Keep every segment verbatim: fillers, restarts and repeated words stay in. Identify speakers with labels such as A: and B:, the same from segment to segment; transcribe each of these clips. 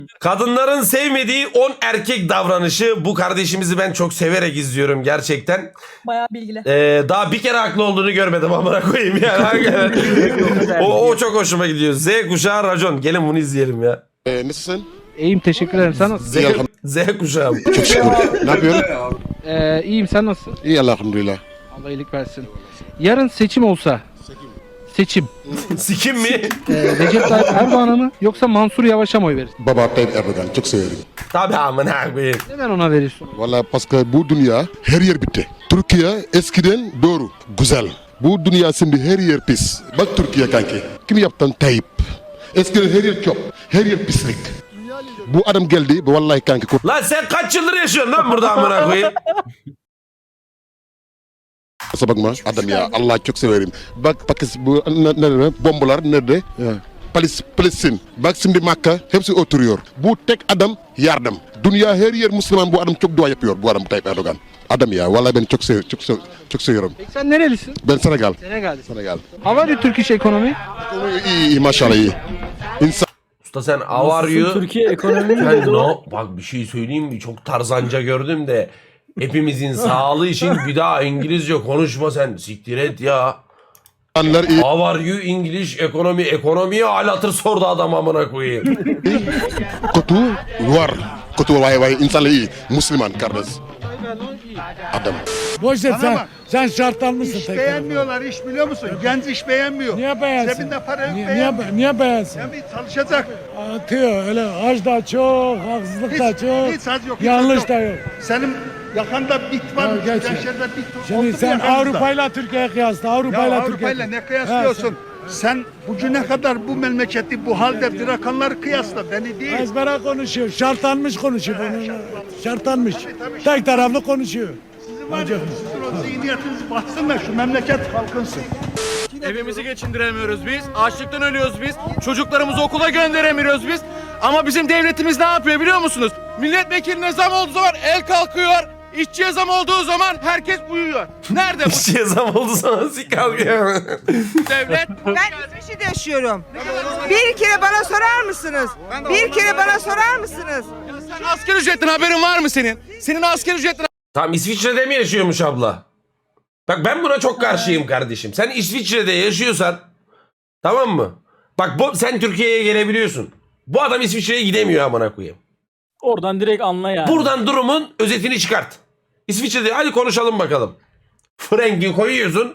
A: Kadınların sevmediği on erkek davranışı. Bu kardeşimizi ben çok severek izliyorum gerçekten.
B: Bayağı bilgili.
A: Ee, daha bir kere haklı olduğunu görmedim amına koyayım yani. Hakikaten. o, o çok hoşuma gidiyor. Z kuşağı racon. Gelin bunu izleyelim ya.
C: Ee, nasılsın?
D: İyiyim teşekkür ederim. Sen nasılsın?
A: Z, Z kuşağı.
C: Çok şükür. Ne yapıyorsun?
D: Ee, iyiyim sen nasılsın?
C: İyi elhamdülillah.
D: Allah iyilik versin. Yarın seçim olsa. Seçim.
A: Sikim mi?
D: Ee, Recep Tayyip Erdoğan'a mı yoksa Mansur Yavaş'a mı oy verirsin?
C: Baba Tayyip Erdoğan çok severim.
A: Tabii amına koyayım.
D: Neden ona verirsin?
C: Valla paske bu dünya her yer bitti. Türkiye eskiden doğru, güzel. Bu dünya şimdi her yer pis. Bak Türkiye kanki. Kim yaptın Tayyip? Eskiden her yer çöp, her yer pislik. Bu adam geldi, vallahi kanki.
A: Lan sen kaç yıldır yaşıyorsun lan burada amına koyayım?
C: Kusura bakma adam ya, Allah çok severim. Bak Pakistan bu ne, ne, ne, bombalar nerede? Ya. Palis, Palestin. Bak şimdi Makka hepsi oturuyor. Bu tek adam yardım. Dünya her yer Müslüman bu adam çok dua yapıyor bu adam Tayyip Erdoğan. Adam ya vallahi ben çok sev çok sev, çok seviyorum.
D: Peki sen nerelisin?
C: Ben Senegal.
D: Senegal'desin.
C: Senegal.
D: How are you Turkish economy?
C: İyi, iyi maşallah iyi. İnsan
A: Usta sen how are you?
B: Türkiye ekonomi mi
A: Ben
B: dedi o?
A: no. Bak bir şey söyleyeyim mi? Çok tarzanca gördüm de. Hepimizin sağlığı için bir daha İngilizce konuşma sen. Siktir et ya.
C: insanlar iyi.
A: How are you English ekonomi? Ekonomiye alatır sordu adam amına koyayım.
C: Kötü var. Kötü vay vay insanlar iyi. Müslüman kardeş. Adam.
E: Boş ver sen, sen şartlanmışsın
F: İş
E: tekrar.
F: beğenmiyorlar, iş biliyor musun? Genç iş beğenmiyor.
E: Niye beğensin?
F: Cebinde para yok,
E: niye,
F: beğenmiyor.
E: niye, niye beğensin?
F: Yani çalışacak.
E: Atıyor öyle aç da çok, haksızlık da
F: Hiç,
E: çok,
F: hiç az yok, hiç
E: yanlış
F: az yok.
E: da yok.
F: Senin yakanda bit var,
E: Ya geç ya.
F: gençlerde bit oldu
E: Şimdi
F: mu
E: sen
F: yakanızda?
E: Avrupa'yla Türkiye'ye kıyasla,
F: Ya
E: Avrupa'yla
F: Avrupa'yla
E: Türkiye'ye.
F: ne kıyaslıyorsun? Sen bugüne kadar bu memleketi bu halde bırakanları kıyasla, beni değil.
E: Ezbere konuşuyor, şartlanmış konuşuyor. Bunun, şartlanmış. Tek taraflı konuşuyor.
F: Sizin var ya, sizin o zihniyetiniz batsın da şu memleket kalkınsın.
G: Evimizi geçindiremiyoruz biz. Açlıktan ölüyoruz biz. Çocuklarımızı okula gönderemiyoruz biz. Ama bizim devletimiz ne yapıyor biliyor musunuz? Milletvekiline zam olduğu zaman el kalkıyor. İşçiye zam olduğu zaman herkes uyuyor. Nerede bu
A: İşçiye zam oldu sana sik kalkıyor.
G: devlet?
H: Ben İsviçre'de yaşıyorum. Bir kere bana sorar mısınız? Bir kere bana sorar mısınız?
G: Sen asgari ücretten haberin var mı senin? Senin asgari ücretten
A: Tam İsviçre'de mi yaşıyormuş abla? Bak ben buna çok karşıyım kardeşim. Sen İsviçre'de yaşıyorsan tamam mı? Bak bu, sen Türkiye'ye gelebiliyorsun. Bu adam İsviçre'ye gidemiyor amına koyayım.
B: Oradan direkt anla yani.
A: Buradan durumun özetini çıkart. İsviçre'de hadi konuşalım bakalım. Frengi koyuyorsun.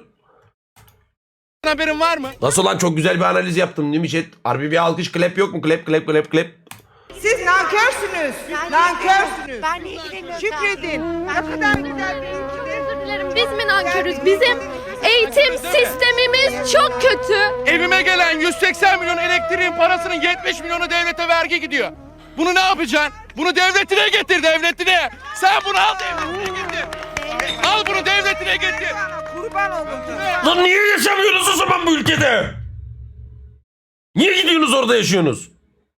G: haberin var mı?
A: Nasıl lan çok güzel bir analiz yaptım değil mi chat? Harbi bir alkış klep yok mu? Klep klep klep klep.
H: Siz nankörsünüz. Nankörsünüz.
I: Ben niye gidemiyorum?
H: Şükredin. Ne kadar güzel bir ülkede.
I: Özür dilerim. Biz mi nankörüz? Bizim eğitim sistemimiz çok kötü.
G: Evime gelen yüz seksen milyon elektriğin parasının yetmiş milyonu devlete vergi gidiyor. Bunu ne yapacaksın? Bunu devletine getir devletine. Sen bunu al devletine getir. Al bunu devletine getir.
H: Kurban oldum.
A: Lan niye yaşamıyorsunuz o zaman bu ülkede? Niye gidiyorsunuz orada yaşıyorsunuz?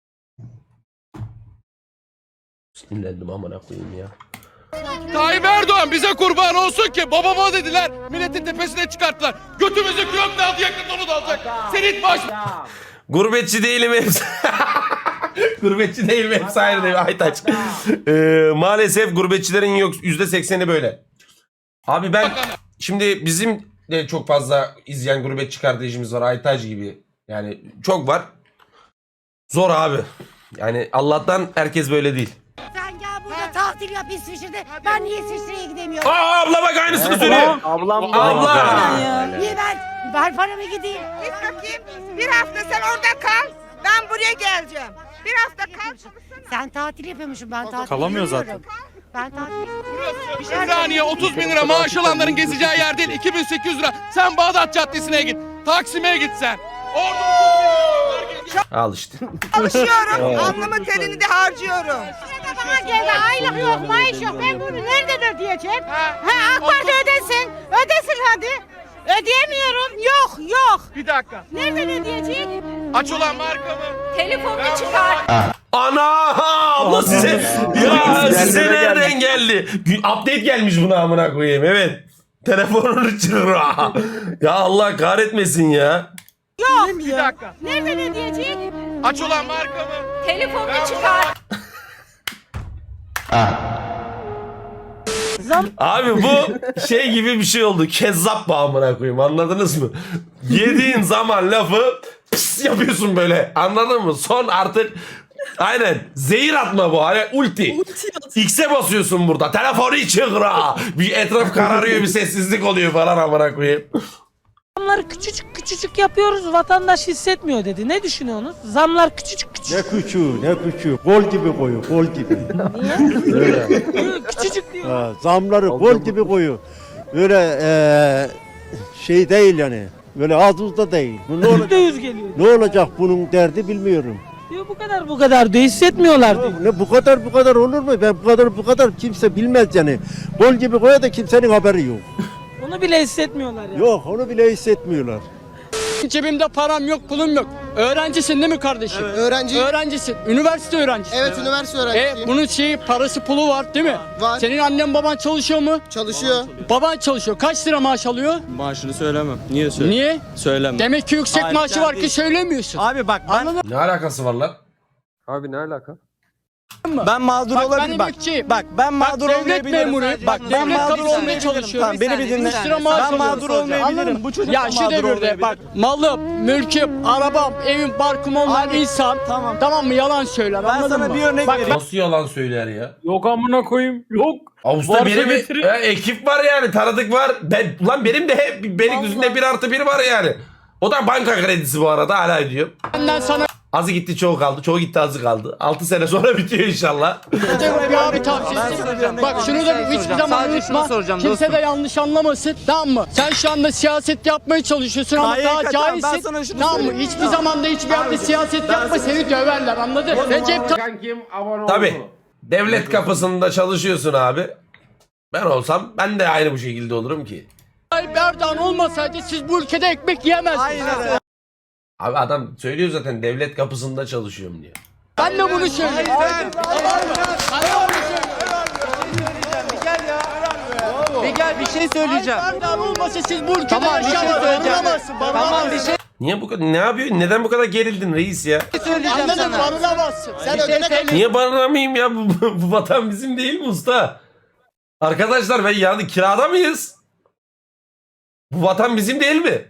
A: Sinirlendim amına koyayım ya.
G: Tayyip Erdoğan bize kurban olsun ki babama dediler milletin tepesine çıkarttılar. Götümüzü kök de aldı yakında onu da alacak. Senin baş...
A: Gurbetçi değilim hepsi. Gurbetçi değilim hepsi ayrı değil. Aytaç. Ee, maalesef gurbetçilerin yok yüzde sekseni böyle. Abi ben şimdi bizim de çok fazla izleyen gurbetçi kardeşimiz var. Aytaç gibi. Yani çok var. Zor abi. Yani Allah'tan herkes böyle değil.
I: Sen gel burada tatil yap İsviçre'de. Ben niye İsviçre'ye gidemiyorum?
A: Aa abla bak aynısını söylüyor.
B: Ablam
A: Abla.
I: Niye ben? Ver paramı gideyim.
H: Git bakayım. Bir hafta sen orada kal. Ben buraya geleceğim. Bir hafta kal.
I: Sen tatil yapıyormuşsun. Ben tatil
B: Kalamıyor
I: yapıyorum. Ben tatil yapıyorum.
G: Ümraniye otuz bin lira maaş alanların gezeceği yer değil. iki bin sekiz yüz lira. Sen Bağdat Caddesi'ne git. Taksim'e git sen. Orada
A: Al işte.
H: Çalışıyorum. Alnımın terini de harcıyorum.
I: Bana geldi aylık yok, maaş yok. Ben bunu nereden ödeyeceğim? Ha, AK Parti ödesin. Ödesin hadi. Ödeyemiyorum. Yok, yok.
G: Bir dakika.
I: Nereden ödeyecek?
G: Aç olan marka mı?
I: Telefonunu çıkar.
A: Ana abla size ya size nereden geldi? Update gelmiş buna amına koyayım evet. Telefonunu çırır. Ya Allah kahretmesin ya.
I: Yok.
G: Bir dakika.
I: Nereden ödeyecek?
G: Aç olan markamı.
I: Telefonunu çıkar.
A: Abi bu şey gibi bir şey oldu. Kezzap bağımına koyayım, anladınız mı? Yediğin zaman lafı pıs yapıyorsun böyle, anladın mı? Son artık aynen zehir atma bu, hani ulti. X'e basıyorsun burada. Telefonu çıkra. Bir etraf kararıyor, bir sessizlik oluyor falan amına koyayım.
B: Zamları küçücük küçücük yapıyoruz, vatandaş hissetmiyor dedi. Ne düşünüyorsunuz? Zamlar küçücük küçücük.
E: Ne küçüğü ne küçüğü. Gol gibi koyu gol gibi.
B: Niye? Küçücük diyor.
E: Ha, zamları gol gibi koyu. Böyle eee, şey değil yani. Böyle az buz da değil. Bu ne,
B: Yüzde
E: olacak,
B: yüz geliyor.
E: ne olacak bunun derdi bilmiyorum.
B: Diyor bu kadar bu kadar diyor, hissetmiyorlar diyor.
E: Ne bu kadar bu kadar olur mu? Ben bu kadar bu kadar kimse bilmez yani. Gol gibi koya da kimsenin haberi yok.
B: Onu bile hissetmiyorlar ya.
E: Yok onu bile hissetmiyorlar.
J: Cebimde param yok, pulum yok. Öğrencisin değil mi kardeşim?
K: Öğrenci.
J: Öğrencisin. Üniversite öğrencisi.
K: Evet, üniversite
J: E,
K: öğrencisiyim.
J: bunun şeyi, parası, pulu var değil mi?
K: Var.
J: Senin annen baban çalışıyor mu?
K: Çalışıyor.
J: Baban çalışıyor. Kaç lira maaş alıyor?
L: Maaşını söylemem. Niye söyle?
J: Niye?
L: Söylemem.
J: Demek ki yüksek
L: Hayır,
J: maaşı
L: sen
J: var ki
L: değil.
J: söylemiyorsun.
L: Abi bak ben,
J: Anladın
A: Ne alakası var lan?
L: Abi ne alaka?
J: mı?
L: Ben mağdur
J: Bak,
L: olabilirim.
J: ben
L: bak,
J: emekçiyim.
L: bak ben
J: Bak,
L: mağdur
J: devlet
L: olmayabilirim.
J: memuruyum.
L: Bak ben
J: Devlet
L: mağdur
J: kapısında
L: olmayabilirim.
J: çalışıyorum.
L: Tamam beni bir dinle.
J: üç lira maaş
L: Ben
J: alıyorum.
L: mağdur olmayabilirim.
J: Anladın mı?
L: Bu çocuk
J: Ya
L: da
J: şu
L: mağdur
J: devirde
L: olmayabilir.
J: bak malım, mülküm, arabam, evim, barkım olmayan insan
L: Tamam.
J: tamam mı yalan söyler
L: Ben
J: anladın
L: sana
J: mı?
L: bir örnek
J: Bak,
L: vereyim.
A: Nasıl yalan söyler ya?
B: Yok amına koyayım. Yok.
A: Avusta
B: Varsa
A: benim
B: getirin.
A: e, ekip var yani, tanıdık var. Ben lan benim de hep Beylikdüzü'nde bir artı bir var yani. O da banka kredisi bu arada, hala ödüyorum.
J: benden sana
A: Azı gitti çoğu kaldı. Çoğu gitti azı kaldı. altı sene sonra bitiyor inşallah.
J: bir abi tavsiyesi. Bak şunu da hiçbir zaman unutma. Kimse de yanlış anlamasın. Tamam mı? Sen şu anda siyaset yapmaya çalışıyorsun ama
L: Hayır,
J: daha
L: tamam, ben
J: cahilsin.
L: sana şunu
J: Tamam mı?
L: söyleyeyim.
J: Hiçbir zaman da hiçbir yerde siyaset yapma seni döverler anladın? Recep
A: Tabii. Devlet kapısında çalışıyorsun abi. Ben olsam ben de aynı bu şekilde olurum ki.
J: Tayyip Erdoğan olmasaydı siz bu ülkede ekmek yiyemezdiniz.
L: Aynen.
A: Abi adam söylüyor zaten, devlet kapısında çalışıyorum diye.
J: Ben de bunu söylüyorum.
L: Bir gel bir şey söyleyeceğim.
J: Erdoğan olmasa siz bu ülkede
L: Tamam, bir şey
J: yaşayamazsınız.
L: söyleyeceğim.
J: Barınamazsın,
L: Tamam
J: barınamazsın.
L: bir şey
A: Niye bu kadar, ne yapıyorsun? Neden bu kadar gerildin reis ya?
L: söyleyeceğim
J: Anladın mı?
L: sana.
J: Barınamazsın. Sen
L: Bir şey
J: ödene
L: söyleyeyim.
A: Niye barınamayayım ya? Bu, bu vatan bizim değil mi usta? Arkadaşlar ben yani kirada mıyız? Bu vatan bizim değil mi?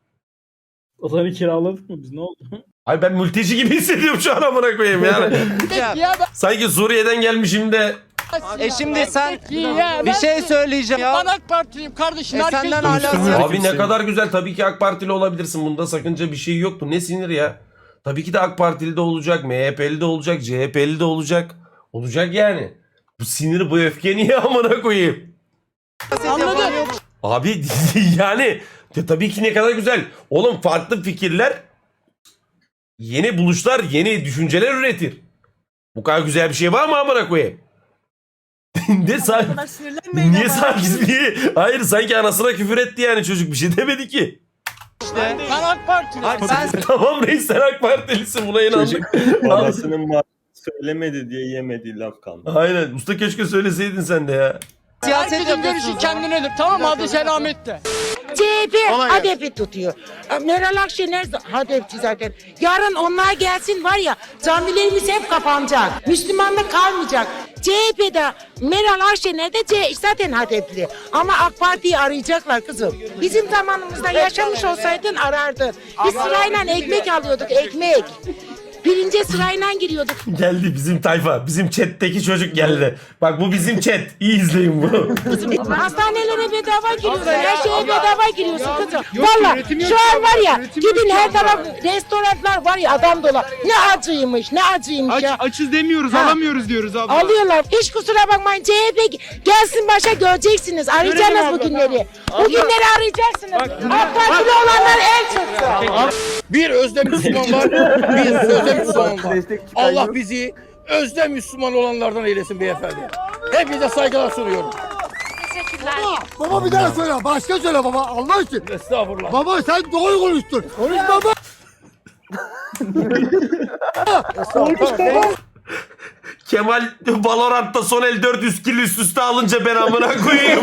B: Otanı kiraladık mı biz, ne oldu?
A: Ay ben mülteci gibi hissediyorum şu an, amına koyayım yani. Sanki Suriye'den gelmişim de.
L: E şimdi sen bir şey söyleyeceğim ya.
J: Ben AK Partiliyim kardeşim.
L: E
J: herkes
L: senden
J: duysun.
L: hala-
A: Abi ne kadar güzel, tabii ki AK Partili olabilirsin. Bunda sakınca bir şey yok. Bu ne sinir ya? Tabii ki de AK Partili de olacak, M H P'li de olacak, C H P'li de olacak. Olacak yani. Bu sinir, bu öfke niye amına koyayım?
J: Anladın?
A: Abi yani de tabii ki ne kadar güzel. Oğlum farklı fikirler, yeni buluşlar, yeni düşünceler üretir. Bu kadar güzel bir şey var mı amına koyayım? ne sanki, niye sanki niye? Hayır sanki anasına küfür etti yani çocuk, bir şey demedi ki.
J: Ben AK Partiliyim.
L: Sen
A: Tamam reis, sen AK Partilisin, buna inandık.
L: babasının söylemedi diye yemediği laf kaldı.
A: Aynen usta, keşke söyleseydin sen de ya.
L: Siyaset
J: Herkesin görüşü kendinedir tamam mı? Hadi selametle.
I: C H P hedefi tutuyor. Meral Akşener hedefçi zaten. Yarın onlar gelsin var ya, camilerimiz hep kapanacak. Müslümanlık kalmayacak. C H P'de Meral Akşener de C zaten hedefli. Ama AK Parti'yi arayacaklar kızım. Bizim zamanımızda yaşamış olsaydın arardın. Biz sırayla ekmek alıyorduk, ekmek. Birinci sırayla giriyorduk.
A: Geldi bizim tayfa, bizim chat'teki çocuk geldi. Bak bu bizim chat, iyi izleyin bunu.
I: Hastanelere bedava giriyorsun, her şeye bedava giriyorsun kızım. Valla şu an var ya, gidin her taraf restoranlar var ya, adam dolar. Ne acıymış, ne acıymış ya.
G: Açız demiyoruz,
I: Ha.
G: alamıyoruz diyoruz abla.
I: Alıyorlar. Hiç kusura bakmayın, C H P gelsin başa, göreceksiniz. Arayacaksınız bu günleri. Bu günleri arayacaksınız. AK Partili olanlar el çıksın.
G: Bir özde Müslüman var, bir sözde Müslüman var. Allah bizi özde Müslüman olanlardan eylesin beyefendi. Hepinize saygılar sunuyorum.
E: Baba bir daha söyle. Başka söyle baba. Allah için.
G: Estağfurullah.
E: Baba sen doğru konuştun. Konuş baba.
A: Kemal Valorant'ta son el dört yüz kill üst üste alınca ben amına koyayım.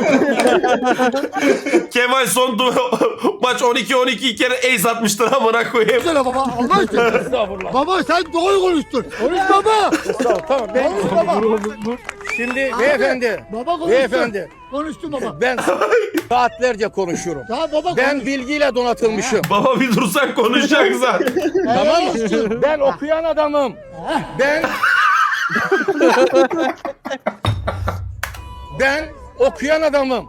A: Kemal son du- maç on iki on iki kere ace atmıştır amına koyayım.
E: Baba Allah için. Baba sen doğru konuştun. Konuş baba.
J: Tamam ben Şimdi beyefendi,
E: Baba konuştun.
J: beyefendi
E: Konuştun baba.
J: ben saatlerce konuşuyorum.
E: Tamam baba
J: Ben bilgiyle donatılmışım.
A: Baba bir dursan konuşacak zaten.
J: Tamam mı? Ben okuyan adamım. Ben Ben okuyan adamım.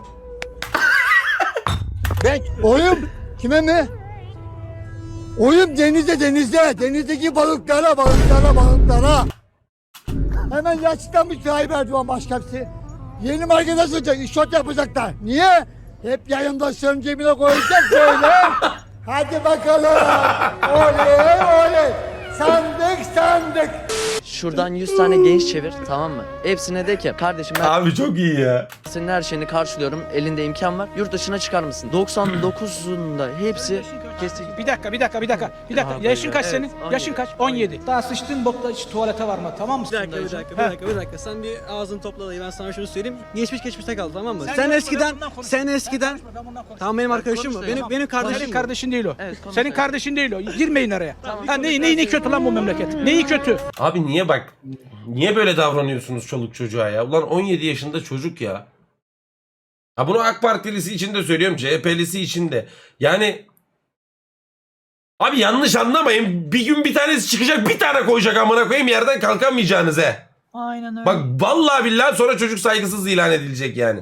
J: Ben
E: Oyun kime mi? Oyun denizde denizde. Denizdeki balıklara balıklara balıklara. Hemen yaşlıdan bir sahibi Erdoğan başkapsi. Yeni market açacak, işot yapacaklar. Niye? Hep yayındaşların cebine koyacak böyle. Hadi bakalım. Oley oley. Sandık sandık.
K: Şuradan yüz tane genç çevir, tamam mı? Hepsine de ki kardeşim ben
A: Abi çok iyi ya.
K: senin her şeyini karşılıyorum. Elinde imkan var. Yurt dışına çıkar mısın? doksan dokuzunda hepsi kesin.
B: Bir dakika, bir dakika, bir dakika. Bir dakika.
K: Aha,
B: Yaşın kaç
K: evet,
B: senin?
K: on
B: Yaşın
K: yedi.
B: kaç? on yedi. Daha sıçtığın bokta hiç tuvalete varma, tamam mı?
K: Bir dakika, bir dakika, bir dakika, bir dakika. Sen bir ağzını topla dayı. Ben sana şunu söyleyeyim. Geçmiş geçmişte kaldı, tamam mı? Sen, eskiden, sen eskiden... Tamam benim arkadaşım mı? Benim, benim kardeşim
B: Senin
K: bu.
B: kardeşin değil o.
K: Evet, konuş
B: Senin
K: dayı.
B: kardeşin değil o. Girmeyin araya. Ha, neyi, neyi, neyi kötü lan bu memleket? Neyi kötü?
A: Abi niye bak niye böyle davranıyorsunuz çoluk çocuğa ya? Ulan on yedi yaşında çocuk ya. Ha bunu AK Partilisi için de söylüyorum, C H P'lisi için de. Yani abi yanlış anlamayın. Bir gün bir tanesi çıkacak, bir tane koyacak amına koyayım, yerden kalkamayacağınız he.
B: Aynen öyle.
A: Bak vallahi billahi sonra çocuk saygısız ilan edilecek yani.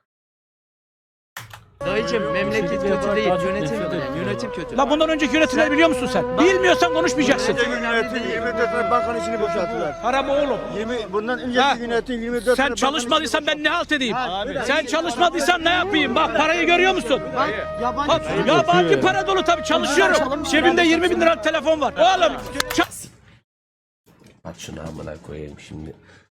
K: Dayıcım memleket kötü değil, yönetim yönetim kötü.
B: La bundan önceki yönetimleri biliyor musun sen? Bilmiyorsan konuşmayacaksın.
E: Yönetim yirmi dört tane bakan içini boşalttılar.
B: Para mı oğlum?
E: yirmi bundan
B: Ha.
E: önceki yönetim yirmi dört
B: Sen çalışmadıysan ben ne halt edeyim? Sen çalışmadıysan ne yapayım? Bak parayı görüyor musun? Bak, yabancı para dolu tabii, çalışıyorum. Cebimde yirmi bin liralık telefon var. Oğlum ça-
A: Aç şunu amına koyayım şimdi.